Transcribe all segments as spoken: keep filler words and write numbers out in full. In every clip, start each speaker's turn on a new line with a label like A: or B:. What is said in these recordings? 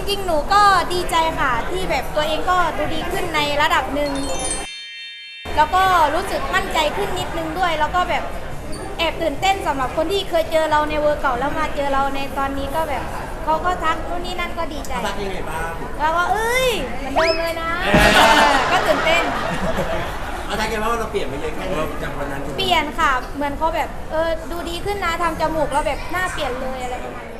A: ริงๆหนูก็ดีใจค่ะที่แบบตัวเองก็ดูดีขึ้นในระดับหนึ่งแล้วก็รู้สึกมั่นใจขึ้นนิดนึงด้วยแล้วก็แบบแอบตื่นเต้นสำหรับคนที่เคยเจอเราในเวอร์เก่าแล้วมาเจอเราในตอนนี้ก็แบบเขาก็ทักนู่นนี่นั่นก็ดีใจ
B: ทักยังไงบ้าง
A: แล้วก็เอ้ยเหมือนเดิมเลยนะก็ตื่นเต้น
B: เอาทักยังไงว่าเราเปลี่ยนไปเยอะแค่ไหนจากวันนั้น
A: เปลี่ยนค่ะเหมือนเขาแบบเออดูดีขึ้นนะทำจมูกแล้วแบบหน้าเปลี่ยนเลยอะไรประมาณนี้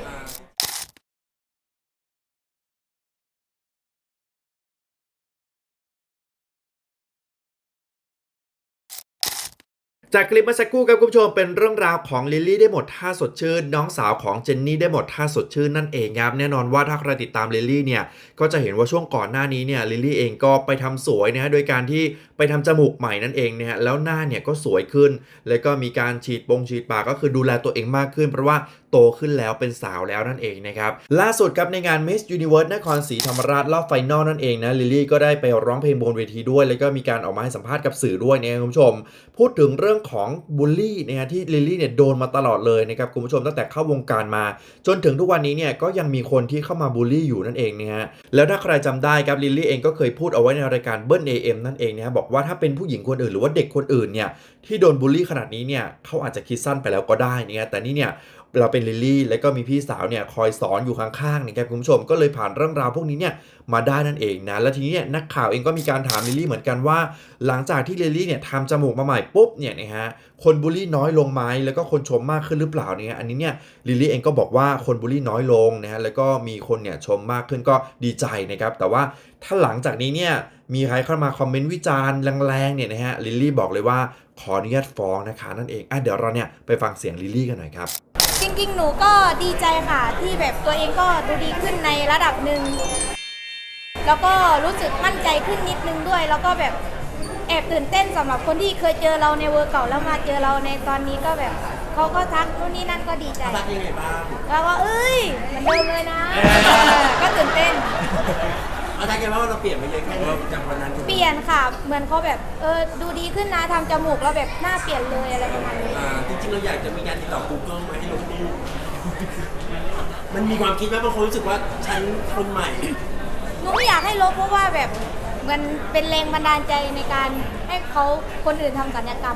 C: จากคลิปเมื่อสักครู่ครับคุณผู้ชมเป็นเรื่องราวของลิลลี่ได้หมดท่าสดชื่นน้องสาวของเจนนี่ได้หมดท่าสดชื่นนั่นเองครับแน่นอนว่าถ้าใครติดตามลิลลี่เนี่ยก็จะเห็นว่าช่วงก่อนหน้านี้เนี่ยลิลลี่เองก็ไปทำสวยนะฮะโดยการที่ไปทำจมูกใหม่นั่นเองนะฮะแล้วหน้าเนี่ยก็สวยขึ้นแล้วก็มีการฉีดปงฉีดปากก็คือดูแลตัวเองมากขึ้นเพราะว่าโตขึ้นแล้วเป็นสาวแล้วนั่นเองนะครับล่าสุดครับในงาน Miss Universe นครศรีธรรมราชรอบไฟนอลนั่นเองนะลิลลี่ก็ได้ไปร้องเพลงบนเวทีด้วยแล้วก็มีการออกมาให้สัมภาษณ์กับสื่อด้วยนะครับคุณผู้ชมพูดถึงเรื่องของบูลลี่นะฮะที่ลิลลี่เนี่ยโดนมาตลอดเลยนะครับคุณผู้ชมตั้งแต่เข้าวงการมาจนถึงทุกวันนี้เนี่ยก็ยังมีคนที่เข้ามาบูลลี่อยู่นั่นเองนะฮะแล้วถ้าใครจำได้ครับลิลลี่เองก็เคยพูดเอาไว้ในรายการเบิ้ล เอ เอ็ม นั่นเองนะฮะบอกว่าถ้าเป็นผู้หญิงคนอื่นหรือว่าเด็กคนอื่นเนี่ยที่โดนบูลลี่ขนาดนี้เนี่ยเขาอาจจะคิดสั้นไปแล้วก็ได้นะแต่นี่เนี่ยเราเป็นลิลลี่แล้วก็มีพี่สาวเนี่ยคอยสอนอยู่ข้างๆนะครับคุณผู้ชมก็เลยผ่านเรื่องราวพวกนี้เนี่ยมาได้นั่นเองนะแล้วทีนี้เนี่ยนักข่าวเองก็มีการถามลิลลี่เหมือนกันว่าหลังจากที่ลิลลี่เนี่ยทำจมูกมาใหม่ปุ๊บเนี่ยนะฮะคนบูลลี่น้อยลงไหมแล้วก็คนชมมากขึ้นหรือเปล่าเนี่ยอันนี้เนี่ยลิลลี่เองก็บอกว่าคนบูลลี่น้อยลงนะฮะแล้วก็มีคนเนี่ยชมมากขึ้นก็ดีใจนะครับแต่ว่าถ้าหลังจากนี้เนี่ยมีใครเข้ามาคอมเมนต์วิจารณ์แรงๆเนี่ยนะฮะลิลลี่บอกเลยว่าขออนุญาตฟ้องนะคะนั่นเองอ่ะเดี๋ยวเราเนี่ยไปฟังเสียงลิลลี่กันหน่อยครับ
A: จริงๆหนูก็ดีใจค่ะที่แบบตัวเองก็ดูดีขึ้นในระดับหนึ่งแล้วก็รู้สึกมั่นใจขึ้นนิดนึงด้วยแล้วก็แบบแอบตื่นเต้นสำหรับคนที่เคยเจอเราในเวอร์เก่าแล้วมาเจอเราในตอนนี้ก็แบบเขาก็ทักนู่นนี่นั่นก็ดีใจ
B: ทักยังไงบ้าง
A: แล้วก็เอ้ยเหมือนเดิมเลยนะก็ตื่นเต้น
B: เอาทักยังไงว่าเราเปลี่ยนไปเยอะแค่ไหนจากวันนั้น
A: เปลี่ยนค่ะเหมือนเขาแบบเออดูดีขึ้นนะทำจมูกแล้วแบบหน้าเปลี่ยนเลยอะไรประมาณนี้
B: จริงๆเราอยากจะมีการติดต่อ Google มาให้ลบรูปมันมีความคิดว่าบางคนรู้สึกว่าฉันคนใหม่
A: หนูไม่อยากให้ลบเพราะว่าแบบมันเป็นแรงบันดาลใจในการให้เขาคนอื่นทำศัลยกรรม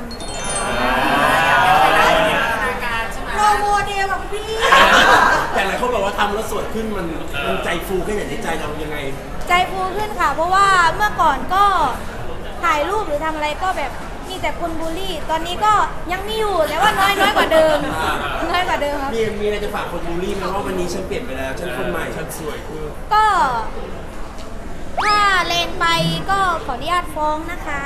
A: โปรโมเดลแบบพี่
B: แต่หลายคนบอกว่าทำแล้วสวยขึ้นมันมันใจฟูขึ้นอย่างในใจเรายังไง
A: ใจฟูขึ้นค่ะเพราะว่าเมื่อก่อนก็ถ่ายรูปหรือทำอะไรก็แบบมีแต่คนบูลลี่ตอนนี้ก็ยังมีอยู่แต่ว่าน้อยน้อยกว่าเดิมน้อยกว่าเดิมครับ
B: มีมีอะไรจะฝากคนบูลลี่ไหมว่าวันนี้ฉันเปลี่ยนไปแล้วฉันคนใหม่ฉันสวยขึ้น
A: ก็ถ้าเลนไปก็ขออนุญาตฟ้องนะคะ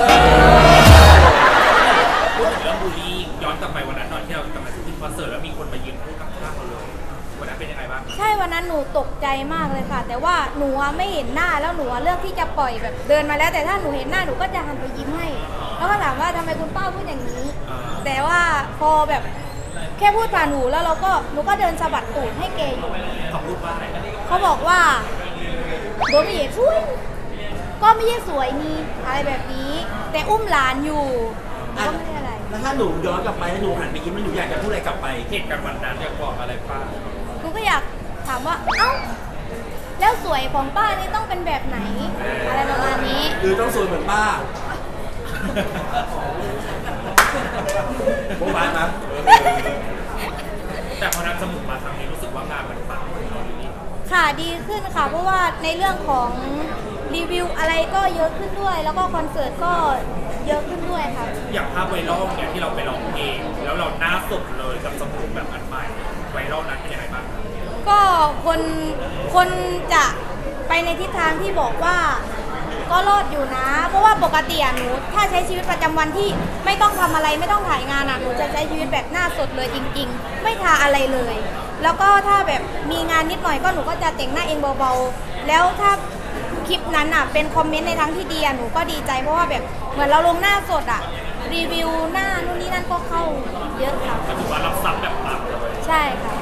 D: พูดถึงเรื่องบูลลี่ย้อนกลับไปวันนั้นตอนที่เรากลับมาที่คอนเสิร์ตแล้วมีคนมายืนพูดกับข้างเราเลยวันนั้นเป็นยังไงบ้าง
A: ใช่วันนั้นหนูตกใจมากเลยค่ะแต่ว่าหนูไม่เห็นหน้าแล้วหนูเลือกที่จะปล่อยแบบเดินมาแล้วแต่ถ้าหนูเห็นหน้าหนูก็จะหันไปยิ้มให้แล้วก็ถามว่าทำไมคุณป้าพูดอย่างนี้แต่ว่าพอแบบแค่พูดผ่านหนูแล้วเราก็หนูก็เดินสะบัดตูดให้เกย์อยู่
D: เขาพูดว่าอะไร
A: เขาบอกว่าโดนไม่เห็นช่วยก็ไม่ใช่สวยนี่อะไรแบบนี้แต่อุ้มหลานอยู่ก็ไม่ได้อะไร
B: แล้วถ้าหนูย้อนกลับไปแล้วหนูหันไปยิ้มแล้วหนูอยากจะพูดอะไรกลับไป
D: เหตุการณ์วันนั้นอยากบอกอะไรป้า
A: หนูก็อยากถามว่าเอ้าแล้วสวยของป้านี่ต้องเป็นแบบไหนอะไรประมาณนี้
B: หรือต้องสวยเหมือนป้าโบ๊ะบ้านนะ
D: แต่พอนับจมูกมาครั้งนี้รู้สึกว่างานมันปัง
A: ค่ะดีขึ้นค่ะเพราะว่าในเรื่องของรีวิวอะไรก็เยอะขึ้นด้วยแล้วก็คอนเสิร์ตก็เยอะขึ้นด้วยค่ะ
D: อย่างภาพไวรัลเนี่ยที่เราไปร้องเพลงแล้วเราหน้าสดเลยกับจมูกแบบอันใหม่ไวรัลนั้นเป็นยังไงบ้าง
A: ก็คนคนจะไปในทิศทางที่บอกว่าก็รอดอยู่นะเพราะว่าปกติหนูถ้าใช้ชีวิตประจำวันที่ไม่ต้องทำอะไรไม่ต้องถ่ายงานอ่ะหนูจะใช้ชีวิตแบบหน้าสดเลยจริงๆไม่ทาอะไรเลยแล้วก็ถ้าแบบมีงานนิดหน่อยก็หนูก็จะแต่งหน้าเองเบาๆแล้วถ้าคลิปนั้นอ่ะเป็นคอมเมนต์ในทางที่ดีหนูก็ดีใจเพราะว่าแบบเหมือนเราลงหน้าสดอ่ะรีวิวหน้านู่นนี่นั่นก็เข้าเยอะค่ะ
D: ก็ถือว่ารับซับแบบปังเลย
A: ใช่ค่ะ